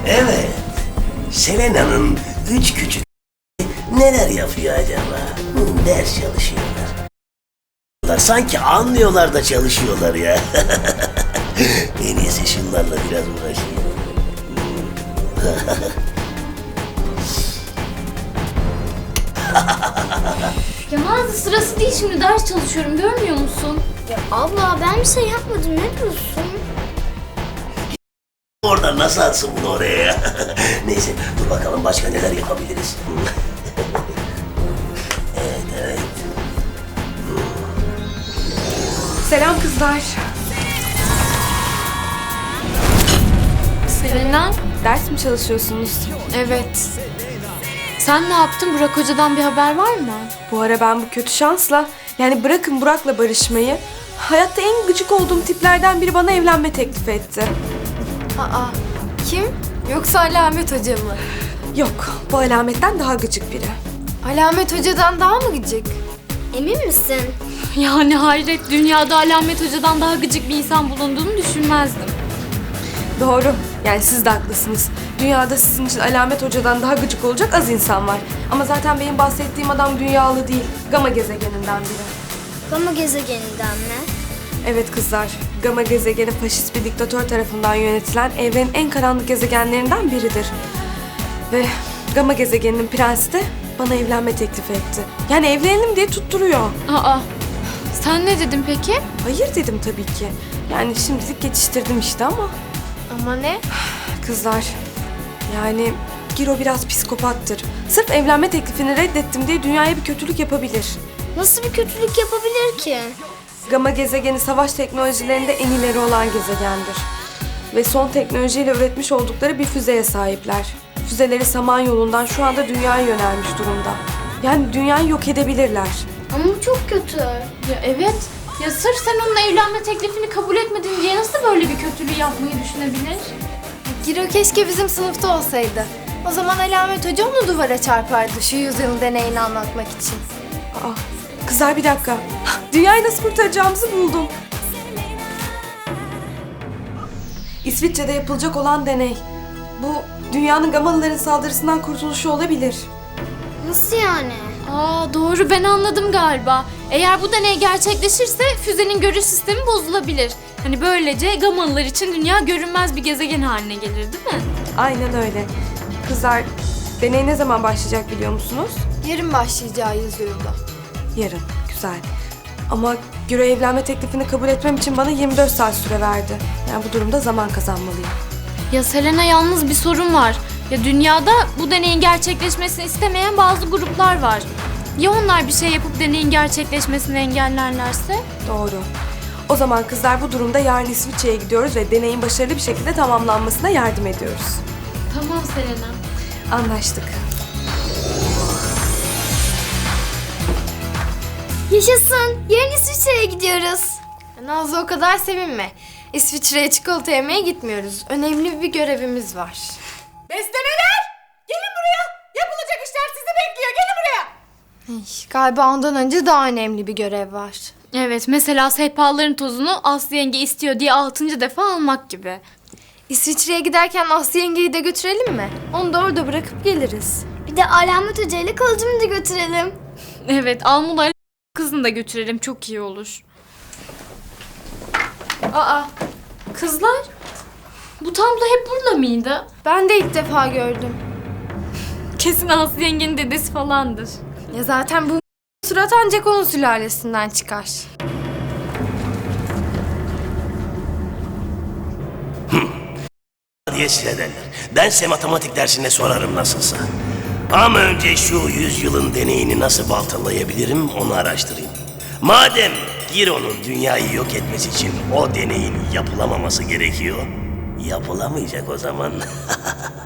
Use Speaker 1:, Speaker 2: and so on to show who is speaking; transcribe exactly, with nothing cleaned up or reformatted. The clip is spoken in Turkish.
Speaker 1: Evet. Selena'nın üç küçük neler yapıyor acaba? Hı, ders çalışıyorlar. Sanki anlıyorlar da çalışıyorlar ya. En iyisi şunlarla biraz uğraşayım.
Speaker 2: Ya Nazlı, sırası değil, şimdi ders çalışıyorum, görmüyor musun?
Speaker 3: Ya abla ben bir şey yapmadım, ne diyorsun?
Speaker 1: Oradan nasıl atsın bunu oraya ya? Neyse dur bakalım başka neler yapabiliriz. Evet evet.
Speaker 4: Selam kızlar.
Speaker 2: Selena?
Speaker 4: Ders mi çalışıyorsunuz?
Speaker 2: Evet. Sen ne yaptın? Burak Hoca'dan bir haber var mı?
Speaker 4: Bu ara ben bu kötü şansla, yani bırakın Burak'la barışmayı, hayatta en gıcık olduğum tiplerden biri bana evlenme teklif etti.
Speaker 2: Aa, kim? Yoksa Alamet Hoca mı?
Speaker 4: Yok, bu alametten daha gıcık biri.
Speaker 2: Alamet Hoca'dan daha mı gıcık?
Speaker 3: Emin misin?
Speaker 2: Yani hayret, dünyada Alamet Hoca'dan daha gıcık bir insan bulunduğunu düşünmezdim.
Speaker 4: Doğru, yani siz de haklısınız. Dünyada sizin için Alamet Hoca'dan daha gıcık olacak az insan var. Ama zaten benim bahsettiğim adam dünyalı değil, Gama gezegeninden biri.
Speaker 3: Gama gezegeninden mi?
Speaker 4: Evet kızlar, Gama gezegeni faşist bir diktatör tarafından yönetilen evrenin en karanlık gezegenlerinden biridir. Ve Gama gezegeninin prensi de bana evlenme teklif etti. Yani evlenelim diye tutturuyor.
Speaker 2: Aa, sen ne dedin peki?
Speaker 4: Hayır dedim tabii ki. Yani şimdilik geçiştirdim işte ama.
Speaker 2: Ama ne?
Speaker 4: Kızlar, yani Giro biraz psikopattır. Sırf evlenme teklifini reddettim diye dünyaya bir kötülük yapabilir.
Speaker 3: Nasıl bir kötülük yapabilir ki?
Speaker 4: Gama gezegeni savaş teknolojilerinde en ileri olan gezegendir. Ve son teknolojiyle üretmiş oldukları bir füzeye sahipler. Füzeleri Samanyolu'ndan şu anda dünyaya yönelmiş durumda. Yani dünyayı yok edebilirler.
Speaker 3: Ama bu çok kötü.
Speaker 2: Ya evet. Ya sırf sen onunla evlenme teklifini kabul etmedin diye nasıl böyle bir kötülüğü yapmayı düşünebilir?
Speaker 5: Giro keşke bizim sınıfta olsaydı. O zaman Alamet Hoca onu duvara çarpardı şu yüzyıl deneyini anlatmak için.
Speaker 4: Aa, kızlar bir dakika. Dünyayı nasıl kurtaracağımızı buldum. İsviçre'de yapılacak olan deney. Bu dünyanın Gamalıların saldırısından kurtuluşu olabilir.
Speaker 3: Nasıl yani?
Speaker 2: Aa doğru, ben anladım galiba. Eğer bu deney gerçekleşirse füzenin görüş sistemi bozulabilir. Hani böylece Gamalılar için dünya görünmez bir gezegen haline gelir, değil mi?
Speaker 4: Aynen öyle. Kızlar, deney ne zaman başlayacak biliyor musunuz?
Speaker 5: Yarın başlayacağı yazıyordu.
Speaker 4: Yarın. Güzel. Ama Giro evlenme teklifini kabul etmem için bana yirmi dört saat süre verdi. Yani bu durumda zaman kazanmalıyım.
Speaker 2: Ya Selena, yalnız bir sorun var. Ya dünyada bu deneyin gerçekleşmesini istemeyen bazı gruplar var. Ya onlar bir şey yapıp deneyin gerçekleşmesini engellerlerse?
Speaker 4: Doğru. O zaman kızlar bu durumda yarın İsviçre'ye gidiyoruz ve deneyin başarılı bir şekilde tamamlanmasına yardım ediyoruz.
Speaker 2: Tamam Selena.
Speaker 4: Anlaştık.
Speaker 3: Yaşasın. Yarın İsviçre'ye gidiyoruz.
Speaker 5: Nazlı, o kadar sevinme. İsviçre'ye çikolata yemeye gitmiyoruz. Önemli bir görevimiz var.
Speaker 6: Beslemeler! Gelin buraya! Yapılacak işler sizi bekliyor. Gelin buraya!
Speaker 5: Ay, galiba ondan önce daha önemli bir görev var.
Speaker 2: Evet, mesela sehpaların tozunu Aslı yenge istiyor diye altıncı defa almak gibi.
Speaker 5: İsviçre'ye giderken Aslı yengeyi de götürelim mi? Onu da orada bırakıp geliriz.
Speaker 3: Bir de Alamet Hoca ile kalıcımı da götürelim.
Speaker 2: Evet, Almuda'yla kızını da götürelim, çok iyi olur. Aa, kızlar, bu tablo hep burada mıydı?
Speaker 5: Ben de ilk defa gördüm.
Speaker 2: Kesin Aslı yengenin dedesi falandır.
Speaker 5: Ya zaten bu surat ancak onun sülalesinden çıkar.
Speaker 1: Diye size derler. Ben size matematik dersinde sorarım nasılsa. Ama önce şu yüzyılın deneyini nasıl baltalayabilirim onu araştırayım. Madem Giro'nun dünyayı yok etmesi için o deneyin yapılamaması gerekiyor, yapılamayacak o zaman.